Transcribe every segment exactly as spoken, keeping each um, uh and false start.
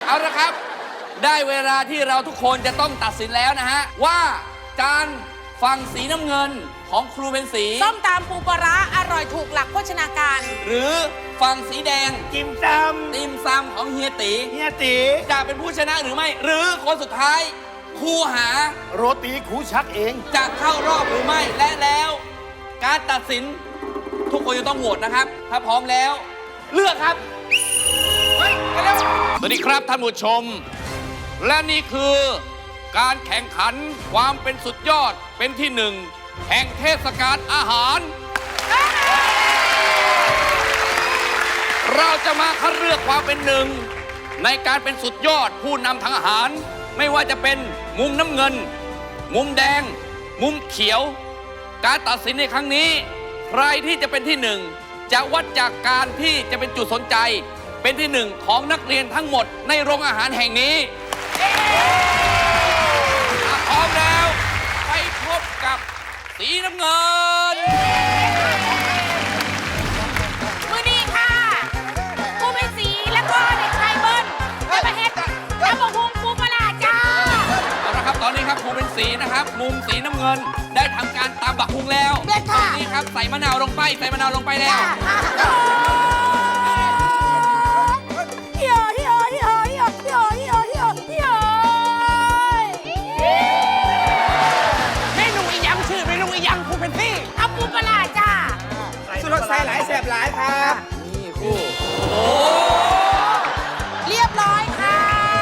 เอาละครับได้เวลาที่เราทุกคนจะต้องตัดสินแล้วนะฮะว่าจานฝั่งสีน้ำเงินของครูเป็นสีส้มตำปูปลาร้าอร่อยถูกหลักโภชนาการหรือฝั่งสีแดงติ่มซำติ่มซำของเฮียตีเฮียตีจะเป็นผู้ชนะหรือไม่หรือคนสุดท้ายครูหาโรตีครูชักเองจะเข้ารอบหรือไม่และแล้วการตัดสินทุกคนจะต้องโหวตนะครับถ้าพร้อมแล้วเลือกครับเฮ้ยไปเร็วสวัสดีครับท่านผู้ชมและนี่คือการแข่งขันความเป็นสุดยอดเป็นที่หนึ่งแห่งเทศกาลอาหารเราจะมาคัดเลือกความเป็นหนึ่งในการเป็นสุดยอดผู้นำทางอาหารไม่ว่าจะเป็นมุมน้ำเงินมุมแดงมุมเขียวการตัดสินในครั้งนี้ใครที่จะเป็นที่หนึ่งจะวัดจากการที่จะเป็นจุดสนใจเป็นที่หนึ่งของนักเรียนทั้งหมดในโรงอาหารแห่งนี้พร้อมแล้วไปพบกับสีน้ำเงินมือดีค่ะครูเป็นสีแล้วก็เด็กชายเบิ้ลไปประเทศแล้วบอกวงปูปลาจ้าเอาละครับตอนนี้ครับครูเป็นสีนะครับมุมสีน้ำเงินได้ทำการตำบักหุ่งแล้วตอนนี้ครับใส่มะนาวลงไปใส่มะนาวลงไปแล้วรสใส่หลายแสบหลายครับนี่คู่โอ้เรียบร้อยค่ะ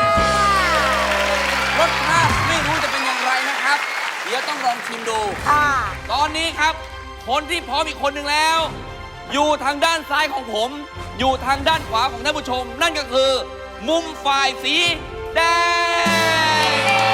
รสชาติไม่รู้จะเป็นอย่างไรนะครับเดี๋ยวต้องลองชิมดูค่ะตอนนี้ครับคนที่พร้อมอีกคนหนึ่งแล้วอยู่ทางด้านซ้ายของผมอยู่ทางด้านขวาของท่านผู้ชมนั่นก็คือมุมฝ่ายสีแดง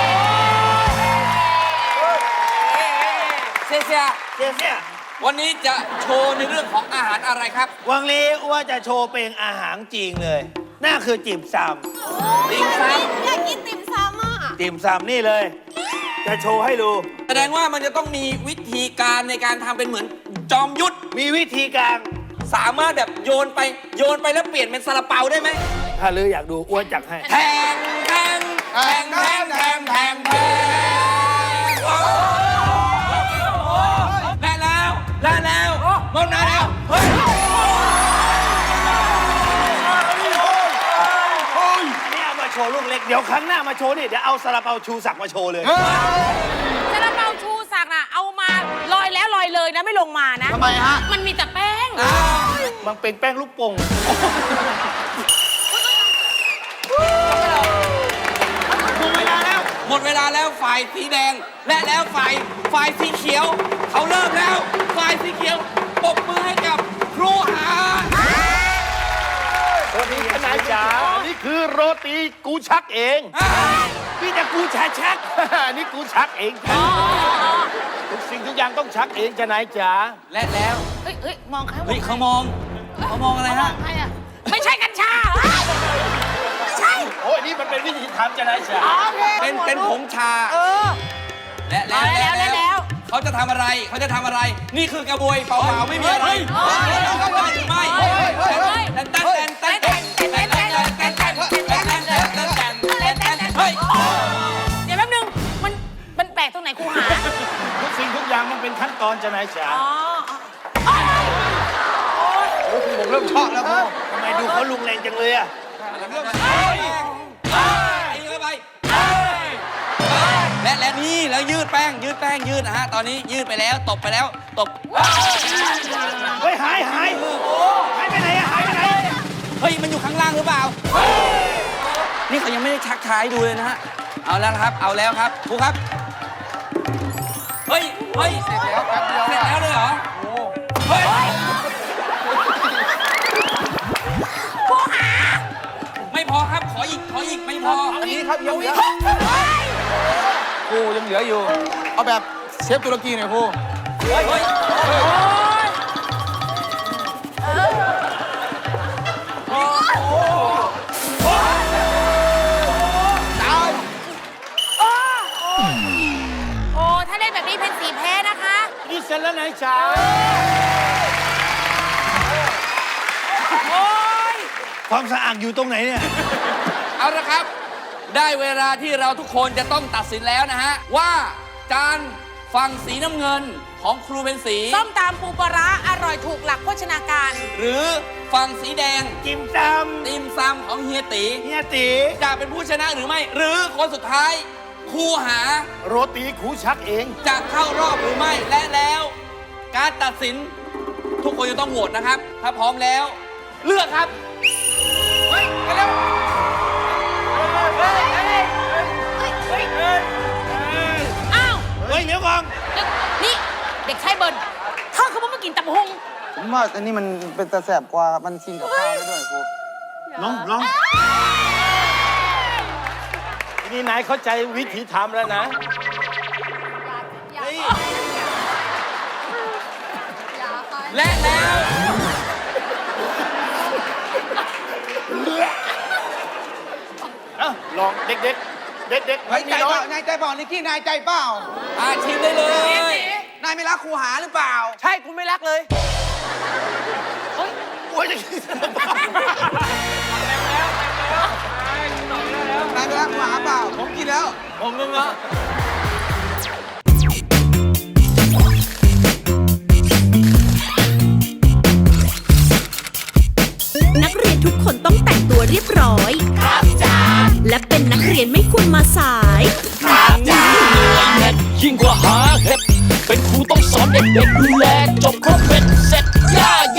เซียเซียเซียเซียวันนี้จะโชว์ในเรื่องของอาหารอะไรครับวันนี้ว่าจะโชว์เป็นอาหารจีนเลยนั่นคือติ่มซำติ่มซำอยากกินติ่มซำอ่ะติ่มซำนี่เลยจะโชว์ให้ดูแสดงว่ามันจะต้องมีวิธีการในการทำเป็นเหมือนจอมยุทธมีวิธีการสามารถแบบโยนไปโยนไปแล้วเปลี่ยนเป็นซาลาเปาได้ไหมถ้าลืออยากดูอ้วนจักให้แทงแทงแทงแทงแทงแทงแทงได้แล้วได้แล้วหมดแล้วเฮ้ยนี่เอามาโชว์ลูกเล็กเดี๋ยวครั้งหน้ามาโชว์นี่เดี๋ยวเอาซาลาเปาชูศักดิ์มาโชว์เลยซาลาเปาชูศักดิ์น่ะเอามาลอยแล้วลอยเลยนะไม่ลงมานะทำไมฮะมันมีแต่แป้งมันเป็นแป้งลูกโป่งหมดเวลาแล้วหมดเวลาแล้วฝ่ายสีแดงและแล้วฝ่ายฝ่ายสีเขียวเขาเริ่มแล้วฝ่ายสีเขียวปรบมือให้กับครูหาสวัสดีทนายจ๋านี่คือโรตีกูชักเองพี่จะกูชักชักนี่กูชักเองทุกสิ่งทุกอย่างต้องชักเองทนายจ๋าและแล้วเฮ้ยเฮ้ยมองเขาเฮ้ยเขามองเขามองอะไรฮะไม่ใช่กัญชาไม่ใช่โอ้ยนี่มันเป็นวิธีทำทนายจ๋าเป็นเป็นผงชาเออและแล้วและแล้วเขาจะทำอะไรเขาจะทำอะไรนี่คือกระบวยเปล่าๆไม่มีอะไรได้หรือไม่เต้นเต้นเต้นเต้นเต้นเต้นเต้นเต้นเต้นเต้นเต้นเต้นเต้นเต้นเต้นเต้นเฮ้ยเดี๋ยวแป๊บนึงมันมันแปลกตรงไหนครูหาทุกสิ่งทุกอย่างมันเป็นขั้นตอนทนายจ๋าโอ้ผมเริ่มชอบแล้วพ่อทำไมดูเขาลุงแรงจังเลยอะและและนี่แล้วยืดแป้งยืดแป้งยืดนะฮะตอนนี้ยืดไปแล้วตบไปแล้วตบเฮ้ยหายหายหายไปไหนอะหายไปไหนเฮ้ยมันอยู่ข้างล่างหรือเปล่านี่เขายังไม่ได้ชักท้ายดูเลยนะฮะเอาแล้วครับเอาแล้วครับครูครับเฮ้ยเฮ้ยเสร็จแล้วครับเสร็จแล้วเลยเหรอโอ้เฮ้ยครูหาไม่พอครับขออีกขออีกไม่พออันนี้ครับยังเหลือครูยังเหลืออยู่เอาแบบเชฟตุรกีหน่อยครูเฮ้ยเฮ้ยตายโอ้ถ้าเล่นแบบนี้เป็นสีแพ้นะคะนี่เสร็จแล้วนายจ๋าโอ้ยความสะอาดอยู่ตรงไหนเนี่ยเอาละครับ ได้เวลาที่เราทุกคนจะต้องตัดสินแล้วนะฮะ ว่าจานฝั่งสีน้ำเงินของครูเป็นสีส้มตำปูปลาร้าอร่อยถูกหลักโภชนาการหรือฝั่งสีแดงจิมซติมซำของเฮียตีำเฮียตีจะเป็นผู้ชนะหรือไม่ หรือคนสุดท้ายครูหาโรตีกูชักเองจะเข้ารอบหรือไม่และแล้ว การตัดสินทุกคนจะต้องโหวตนะครับ ถ้าพร้อมแล้ว เลือกครับเฮ้ยไปเร็วอ้าวเฮ้ยเดี๋ยวก่อนเด็กนี่เด็กชายเบิร์นเธอคือว่ามากินตำหงผมว่าอันนี้มันเป็นตะแสบกว่ามันกินกับข้าวได้ด้วยครูลองลองทีนี้นายเข้าใจวิธีทำแล้วนะเฮ้ยและแล้วเอ้าลองเด็กๆ เด็กๆเฮ้ยใจมีน้อเปล่าย นายใจเปล่านิกกี้นายใจเปล่าอาชิมได้เลยนายไม่รักครูหาหรือเปล่าใช่กูไม่รักเลยโอ้ยจะกินนายไม่รักครูหาเปล่า ผมกินแล้วผมนึงเหรอ